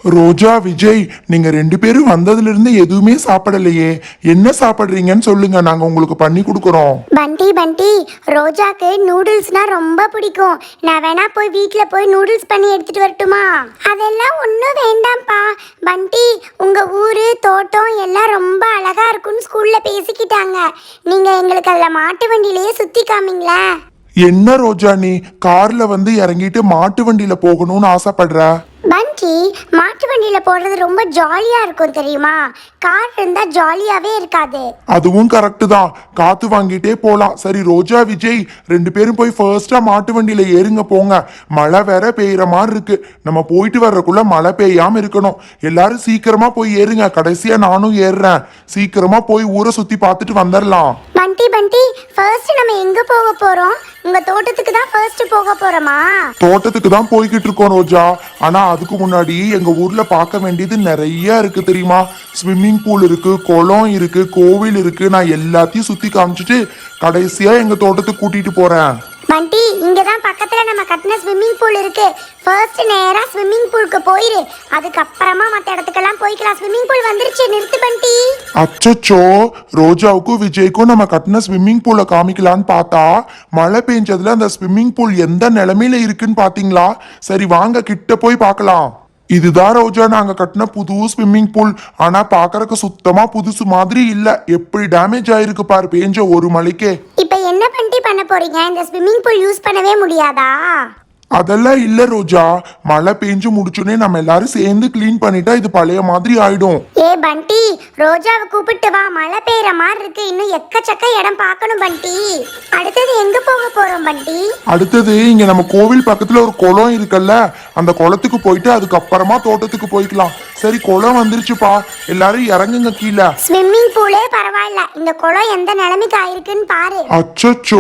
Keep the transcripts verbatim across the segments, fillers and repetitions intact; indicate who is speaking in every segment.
Speaker 1: ரோஜா, விஜய், நீங்க ரெண்டு பேரும் வந்ததுல இருந்து எதுவுமே சாப்பிடலையே. என்ன சாப்பிடுறீங்கன்னு சொல்லுங்க, நாங்க உங்களுக்கு பண்ணி கொடுக்கறோம்.
Speaker 2: பண்டி பண்டி ரோஜாக்கு நூடுல்ஸ்னா ரொம்ப பிடிக்கும். நான் வேணா போய் வீட்ல போய் நூடுல்ஸ் பண்ணி எடுத்துட்டு வரட்டுமா? அதெல்லாம் ஒன்றும் வேண்டாம்ப்பா. பண்டி, உங்க ஊரு தோட்டம் எல்லாம் ரொம்ப அழகா இருக்குன்னு ஸ்கூல்ல பேசிக்கிட்டாங்க. நீங்க எங்களுக்கு அதில் மாட்டு வண்டியிலேயே சுத்தி காமிங்களா?
Speaker 1: என்ன ரோஜா, நீ கார்ல வந்து இறங்கிட்டு மாட்டு வண்டியில போகணும்னு ஆசைப்படுற?
Speaker 2: பண்டி, மாட்டு வண்டியில போறது ரொம்ப ஜாலியா இருக்கும் தெரியுமா? கார் இருந்தா ஜாலியாவே இருக்காது.
Speaker 1: அதுவும் கரெக்ட் தான், காத்து வாங்கிட்டே போலாம். சரி ரோஜா, விஜய், ரெண்டு பேரும் போய் ஃபர்ஸ்டா மாட்டு வண்டியில ஏறுங்க, போங்க. மழை வேற பெய்யற மாதிரி இருக்கு. நம்ம போயிட்டு வர்றதுக்குள்ள மழை பெய்யாம இருக்கணும். எல்லாரும் சீக்கிரமா போய் ஏறுங்க. கடைசியா நானும் ஏறுறேன். சீக்கிரமா போய் ஊரை சுத்தி பார்த்துட்டு வந்துடலாம்.
Speaker 2: பண்டி பண்டி, ஃபர்ஸ்ட் நம்ம எங்க போக போறோம்? உங்க தோட்டத்துக்கு தான் ஃபர்ஸ்ட் போக போறோமா?
Speaker 1: தோட்டத்துக்கு தான் போய்கிட்டு இருக்கோம் ரோஜா. ஆனா அதுக்கு முன்னாடி எங்க ஊர்ல பார்க்க வேண்டியது நிறைய இருக்கு தெரியுமா? ஸ்விம்மிங் பூல் இருக்கு, குளம் இருக்கு, கோவில் இருக்கு. நான் எல்லாத்தையும் சுத்தி காமிச்சிட்டு கடைசியா எங்க தோட்டத்துக்கு கூட்டிட்டு போறேன்.
Speaker 2: பண்டி, இங்க தான் பக்கத்துல நம்ம கட்டின ஸ்விம்மிங் பூல் இருக்கு. ஃபர்ஸ்ட் நேரா ஸ்விம்மிங் பூலுக்கு போயிரு. அதுக்கு அப்புறமா மத்த இடத்துக்கெல்லாம் போய்க்கலாம். ஸ்விம்மிங் பூல் வந்துருச்சு, நிறுத்து பண்டி.
Speaker 1: அச்சச்சோ, ரோஜாவுக்கும் விஜய்க்கும் நம்ம கட்டின ஸ்விம்மிங் பூலை காமிக்கலான்னு பார்த்தா மழை பெஞ்சதுல அந்த ஸ்விம்மிங் பூல் எந்த நிலைமையில இருக்குன்னு பாத்தீங்களா? சரி வாங்க, கிட்ட போய் பார்க்கலாம். இதுதான் ரோஜா, நாங்க கட்டின புது ஸ்விம்மிங் பூல். ஆனா பாக்குறதுக்கு சுத்தமா புதுசு மாதிரி இல்ல. எப்படி டேமேஜ் ஆயிருக்கு பாரு, பெஞ்ச ஒரு மழைக்கே.
Speaker 2: இப்ப என்ன பண்டி பண்ண போறீங்க? இந்த ஸ்விம்மிங் பூல் யூஸ் பண்ணவே முடியாதா?
Speaker 1: அதெல்லாம் இல்ல ரோஜா, மழை பெஞ்சு முடிச்சுனே நம்ம எல்லாரும் சேர்ந்து கிளீன் பண்ணிட்டா இது பழைய மாதிரி ஆயிடும்.
Speaker 2: ஏ பண்டி, ரோஜாவை கூப்பிட்டு வா. மழை பெய்யற மாதிரி இருக்கு. இன்னும் எக்கச்சக்க இடம் பார்க்கணும் பண்டி. அடுத்தது எங்க போக போறோம் பண்டி?
Speaker 1: அடுத்தது இங்க நம்ம கோவில் பக்கத்துல ஒரு குளம் இருக்குல்ல, அந்த குளத்துக்கு போயிட்டு அதுக்கப்புறமா தோட்டத்துக்கு போய்க்கலாம். சரி, குளம் வந்துருச்சுப்பா, எல்லாரும் இறங்குங்க கீழே.
Speaker 2: ஸ்விம்மிங் பூலே பரவாயில்ல, இந்த குளம் எந்த நிலைமைக்கு ஆயிருக்குன்னு பாரு.
Speaker 1: அச்சச்சோ,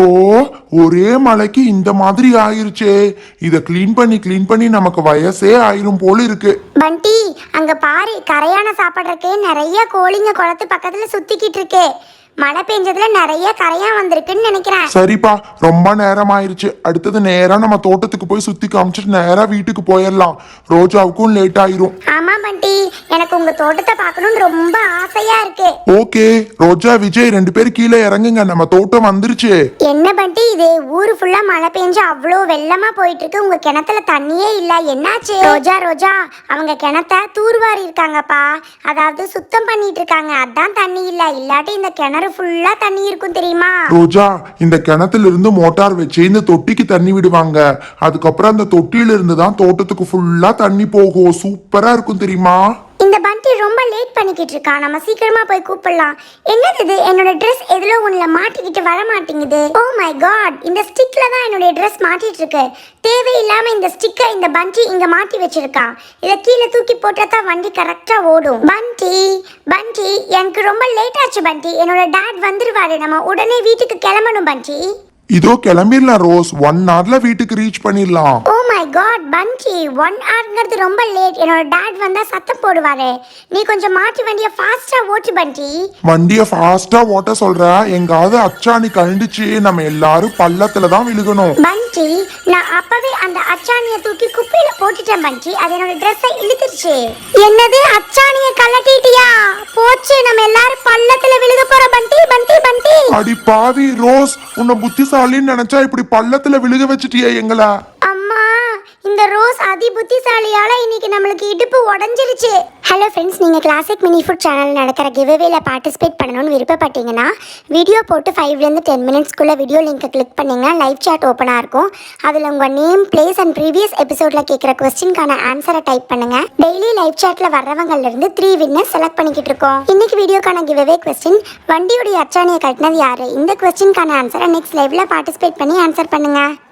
Speaker 1: ஒரே மழைக்கு இந்த மாதிரி ஆயிருச்சே. இத கிளீன் பண்ணி கிளீன் பண்ணி நமக்கு வயசே ஆயிரும் போல இருக்கு.
Speaker 2: பண்டி, அங்க பாரு, கரையான சாப்பிட்றதுக்கு நிறைய கோழிங்க குளத்து பக்கத்துல சுத்திக்கிட்டு இருக்கு. மழை பெஞ்சதுல நிறைய கரையா வந்திருக்குன்னு நினைக்கிறேன்.
Speaker 1: சரிப்பா, ரொம்ப நேரம் ஆயிருச்சு. அடுத்தது நேரா நம்ம தோட்டத்துக்கு போய் சுத்தி காமிச்சிட்டு நேரா வீட்டுக்கு போயிடலாம். ரோஜாவுக்கும் லேட் ஆயிரும்.
Speaker 2: ஆமா பண்டி, எனக்கு உங்க தோட்டத்தை பார்க்கணும்னு ரொம்ப ஆசையா இருக்கு.
Speaker 1: ஓகே ரோஜா, விஜய், ரெண்டு பேரும் கீழே இறங்குங்க, நம்ம தோட்டம் வந்துருச்சு.
Speaker 2: என்ன பண்டி இது, ஊரு ஃபுல்லா மழை பெஞ்சு அவ்வளோ வெள்ளமா போயிட்டு இருக்கு. உங்க கிணத்துல தண்ணியே இல்ல, என்னாச்சு? ரோஜா ரோஜா, அவங்க கிணத்த தூர்வாரி இருக்காங்கப்பா. அதாவது சுத்தம் பண்ணிட்டு இருக்காங்க, அதான் தண்ணி இல்ல. இல்லாட்டி இந்த கிணறு ஃபுல்லா தண்ணி இருக்கும் தெரியுமா?
Speaker 1: ரோஜா, இந்த கிணத்துல இருந்து மோட்டார் வச்சு இந்த தொட்டிக்கு தண்ணி விடுவாங்க. அதுக்கப்புறம் அந்த தொட்டியில இருந்து தான் தோட்டத்துக்கு ஃபுல்லா தண்ணி போகும். சூப்பரா இருக்கும் தெரியுமா?
Speaker 2: இந்த பண்டி ரொம்ப லேட் பண்ணிக்கிட்டு இருக்கான். நம்ம சீக்கிரமா போய் கூப்பிடலாம். என்னது இது, என்னோட ட்ரெஸ் எதுல ஒண்ணுல மாட்டிக்கிட்டு வர மாட்டேங்குது. ஓ மை காட், இந்த ஸ்டிக்ல தான் என்னோட ட்ரெஸ் மாட்டிட்டு இருக்கு. தேவையில்லாம இந்த ஸ்டிக்கை இந்த பண்டி இங்க மாட்டி வச்சிருக்கான். இதை கீழே தூக்கி போட்டா வண்டி கரெக்டா ஓடும். பண்டி பண்டி, எனக்கு ரொம்ப லேட் ஆச்சு பண்டி. என்னோட டாட் வந்துருவாரு, நம்ம உடனே வீட்டுக்கு கிளம்பணும் பண்டி.
Speaker 1: இதோ கிளம்பிடலாம் ரோஸ், ஒன் ஹவர்ல வீட்டுக்கு ரீச் பண்ணிடலாம்.
Speaker 2: ஓ மை காட் பண்டி, ஒன் ஹவர்ங்கிறது ரொம்ப லேட். என்னோட டாட் வந்தா சத்தம் போடுவாரு. நீ கொஞ்சம் மாட்டி வண்டியை ஃபாஸ்டா ஓட்டு பண்டி.
Speaker 1: வண்டியை ஃபாஸ்டா ஓட்ட சொல்ற, எங்காவது அச்சாணி கழண்டுச்சு நம்ம எல்லாரும் பள்ளத்துல தான் விழுகணும்.
Speaker 2: பண்டி, நான் அப்பவே அந்த அச்சாணியை தூக்கி குப்பையில போட்டுட்டேன் பண்டி. அது என்னோட ட்ரெஸ்ஸை இழுத்துருச்சு. என்னது, அச்சாணியை கழட்டிட்டியா? போச்சு, நம்ம எல்லாரும் பள்ளத்துல விழுக போறோம் பண்டி. பண்டி பண்டி,
Speaker 1: அடி பாவி ரோஸ், உன்னை புத்திசாலின்னு நினைச்சா இப்படி பள்ளத்துல விழுக வச்சுட்டியே எங்களை.
Speaker 2: அம்மா, இந்த ரோஸ் அதி புத்திசாலியால இன்னைக்கு நம்மளுக்கு இடுப்பு உடஞ்சிருச்சு. ஹலோ ஃப்ரெண்ட்ஸ், நீங்கள் கிளாசிக் மினி ஃபுட் சேனல் நடக்கிற கிவ்அவேல பார்ட்டிசிபேட் பண்ணணும்னு விருப்பப்பட்டீங்கன்னா வீடியோ போட்டு ஃபைவ்லேருந்து டென் மினிட்ஸ்க்குள்ளே வீடியோ லிங்கை கிளிக் பண்ணிங்கன்னா லைவ் சாட் ஓப்பனாக இருக்கும். அதில் உங்கள் நேம், பிளேஸ் அண்ட் ப்ரீவியஸ் எபிசோடில் கேட்குற கொஸ்டின்கான ஆன்சரை டைப் பண்ணுங்கள். டெய்லி லைவ் சாட்டில் வர்றவங்கலேருந்து த்ரீ வின்னர்ஸ் செலக்ட் பண்ணிக்கிட்டு இருக்கோம். இன்னைக்கு வீடியோக்கான கிவ்அவே கொஸ்டின், வண்டியுடைய அச்சாணியை கட்டினது யாரு? இந்த கொஸ்டின்கான ஆன்சரை நெக்ஸ்ட் லைவ்ல பார்ட்டிசிபேட் பண்ணி ஆன்சர் பண்ணுங்கள்.